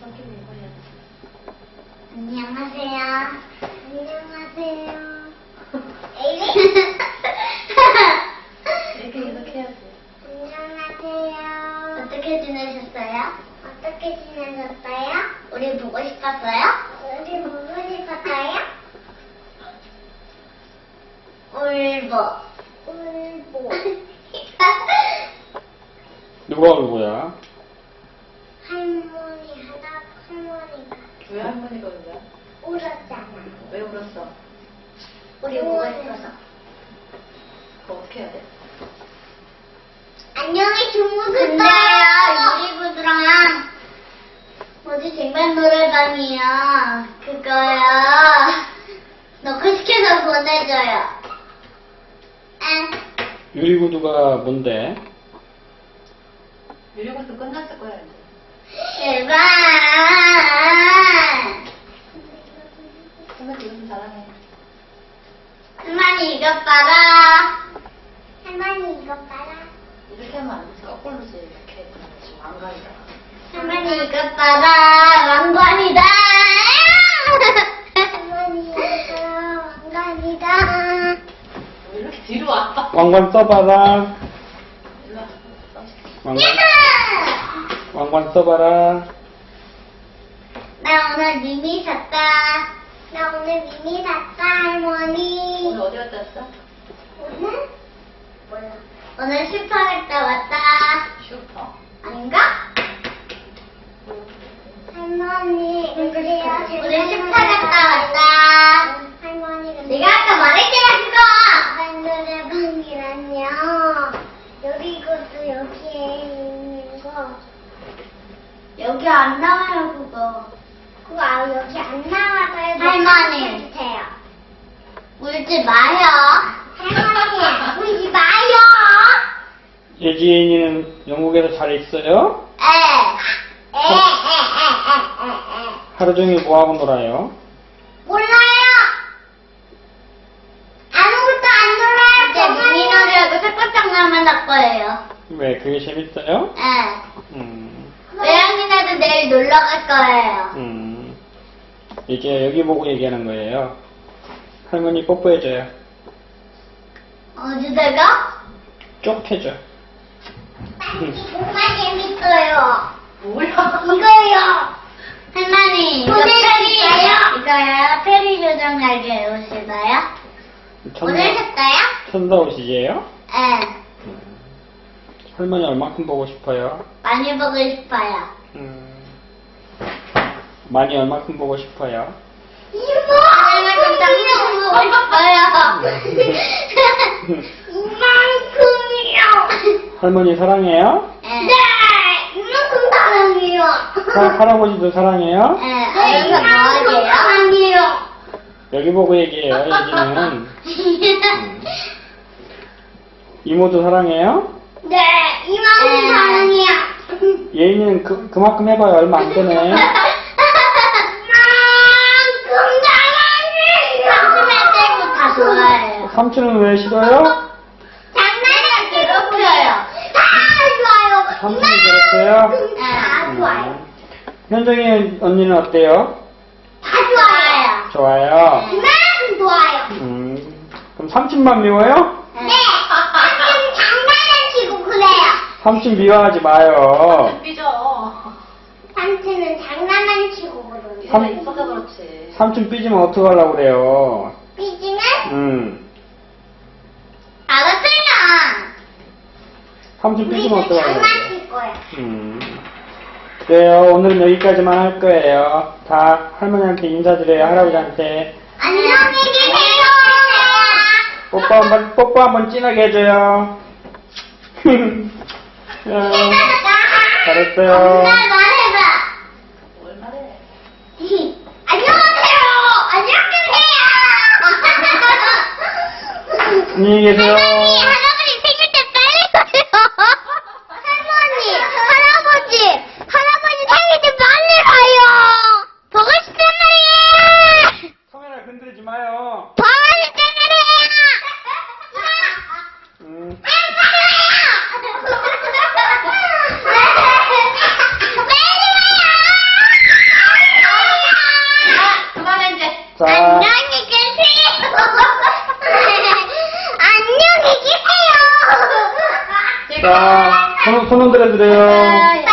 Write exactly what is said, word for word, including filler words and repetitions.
안녕하세요. 안녕하세요. 이렇게 계속 해야지. 안녕하세요. 어떻게 지내셨어요? 어떻게 지내셨어요? 우리 보고 싶었어요? 우리 보고 싶었어요? 울보. 울보. 누가 울고야? 할머니 하다 할머니가 왜 할머니가 울냐? 울었잖아. 왜 울었어? 우리 보고 싶어서. 그거 어떻게 해야 돼? 안녕히 주무세요. 유리구두랑 어디 쟁반 노래방이야. 그거요. 넣고 시켜서 보내줘요. 응. 유리구두가 뭔데? 유리구두 끝났을 거야 이제. 제발. 할머니 이거 좀 잘하네. 할머니 이것 봐라. 할머니 이것 봐라. 이렇게 하면 안 되지. 거꾸로지 이렇게. 지금 왕관이다. 할머니 이것 봐라. 왕관이다. 할머니 이것 봐라. 왕관이다. 왜 이렇게 뒤로 와? 왕관 써봐라. 일로 와. 왕관, 왕관 써봐라. 나 오늘 미미 샀다. 나 오늘 미미 샀다, 할머니. 오늘 어디 갔다 왔어? 오늘? 몰라. 오늘 슈퍼 갔다 왔다. 슈퍼. 아닌가? 할머니, 우리 우리 슈퍼 갔다 왔다. 할머니가 내가 아까 말했잖아, 그거! 노래방이란요. 여기것도 여기에 있는 거. 여기 안 나와요, 그거. 그거 아, 여기 안 나와서요. 할머니. 주세요. 울지 마요. 할머니, 울지 마요. 예지인이는 영국에서 잘 있어요? 에. 에, 에, 에, 에, 에, 에. 하루 종일 뭐하고 놀아요? 몰라요. 아무것도 안 놀아요. 이제 미니놀이하고 색깔장난만 할 거예요. 왜, 그게 재밌어요? 에. 음, 외양이네도 내일 놀러 갈 거예요. 음. 이제 여기 보고 얘기하는 거예요. 할머니 뽀뽀해줘요. 어디다가? 쪽 해줘. 정말 재밌어요. 뭐야? 이거요. 할머니, 이거 오늘 페리예요? 이거요? 페리 조정 날개 옷이다요? 오늘 샀어요? 천사 옷이에요? 네. 할머니 얼마큼 보고 싶어요? 많이 보고 싶어요. 음, 많이 얼마큼 보고 싶어요? 이모! 할머니 당장 보고 싶어요. 이만큼이요. 할머니 사랑해요? 네. 이만큼 사랑해요. 할- 할아버지도 사랑해요? 네. 이만큼 사랑해요. 여기 보고 얘기해요, 예지는. 음. 이모도 사랑해요? 네. 이만큼 사랑해요. 예인이는 그, 그만큼 해봐요. 얼마 안 되네. 이만큼 사랑해요. 삼촌을 떼고 다 좋아해요. 삼촌은 왜 싫어요? 장난이랑 괴롭혀요. 다 좋아요. 삼촌이 그랬어요? 네, 다 좋아요. 현정이 언니는 어때요? 다 좋아요. 좋아요. 이만큼 좋아요. 음, 그럼 삼촌만 미워요? 네. 삼촌 장난을 치고 그래요. 삼촌 미워하지 마요. 삐져. 삼촌은 장난만 치고 그러요. 얘가 이뻐서 그렇지. 삼촌 삐지면 어떡하려고 그래요? 삐지면 음, 알았어요. 삼촌 삐지면 우리도 어떡하려고 그래요? 장난칠 거야. 음. 그래요. 오늘은 여기까지만 할 거예요. 다 할머니한테 인사드려요. 할아버지한테. 안녕히 계세요. 뽀뽀 한번, 뽀뽀 한번 진하게 해줘요. 야, 잘했어요. 엄마 말해봐. 뭘 말해? 안녕하세요. 안녕히 계세요. 안녕히 계세요. 할머니, 할아버지 생일 때 빨리 가요. 할머니, 할아버지, 할아버지 생일 때 빨리 가요. 보고 싶단 말이에요. 카메라 흔들지 마요. 보고 싶단 말이에요. 음. 빨리 가요. 자, 안녕히 계세요. 안녕히 계세요. 자, 손, 손 흔들어 드려요. 나